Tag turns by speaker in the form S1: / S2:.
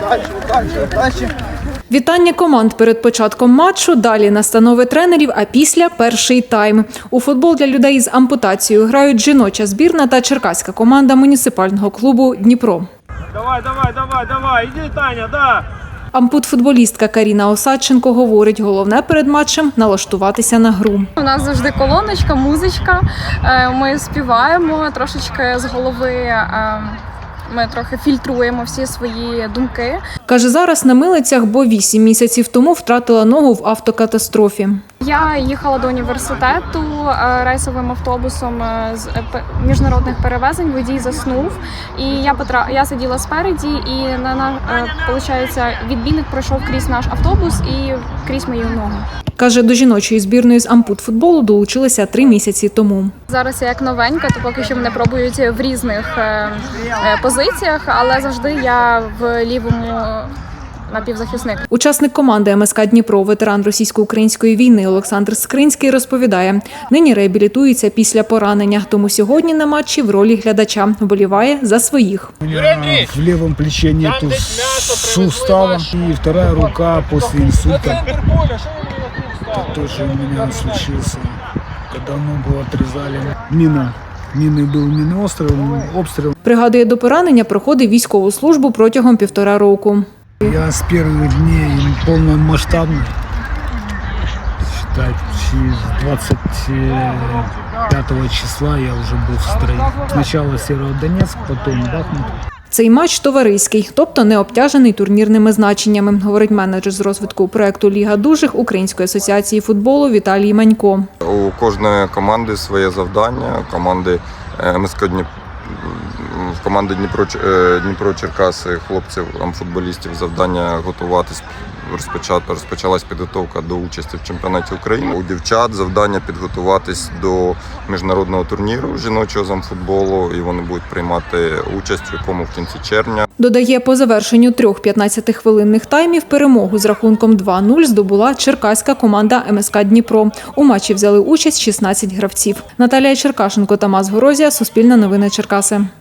S1: Вітання команд перед початком матчу, далі настанови тренерів, а після – перший тайм. У футбол для людей з ампутацією грають жіноча збірна та черкаська команда муніципального клубу «Дніпро».
S2: Давай, іди, Таня, да!
S1: Ампут-футболістка Каріна Осадченко говорить, головне перед матчем – налаштуватися на гру.
S3: У нас завжди колоночка, музичка, ми співаємо трошечки з голови, ми трохи фільтруємо всі свої думки.
S1: Каже, зараз на милицях, бо 8 місяців тому втратила ногу в автокатастрофі.
S3: Я їхала до університету рейсовим автобусом з міжнародних перевезень, водій заснув, і я сиділа спереді, і відбійник пройшов крізь наш автобус і крізь мою ногу.
S1: Каже, до жіночої збірної з ампут-футболу долучилися 3 місяці тому.
S3: Зараз я як новенька, то поки що мене пробують в різних позиціях, але завжди я в лівому напівзахисник.
S1: Учасник команди МСК «Дніпро», ветеран російсько-української війни Олександр Скринський розповідає, нині реабілітується після поранення, тому сьогодні на матчі в ролі глядача вболіває за своїх.
S4: У меня в левом плече нету сустава, и вторая рука после инсульта. Это тоже у меня случился, когда ногу отрезали. Минный был минный обстрел.
S1: Пригадує, до поранення проходив військову службу протягом 1,5 року.
S4: Я с первых дней полномасштабно, считать, с 25 числа я уже был в строю. Сначала Северодонецк, потом Бахмут.
S1: Цей матч товариський, тобто не обтяжений турнірними значеннями, говорить менеджер з розвитку проєкту «Ліга дужих» Української асоціації футболу Віталій Манько.
S5: У кожної команди своє завдання. Команди Дніпро-Черкаси, хлопців, футболістів, завдання готуватись. Розпочалась підготовка до участі в чемпіонаті України. У дівчат завдання підготуватись до міжнародного турніру жіночого з амфутболу, і вони будуть приймати участь в якому в кінці червня.
S1: Додає, по завершенню 3 15-хвилинних таймів перемогу з рахунком 2-0 здобула черкаська команда МСК «Дніпро». У матчі взяли участь 16 гравців. Наталія Черкашенко, Тамас Горозія, Суспільне новини Черкаси.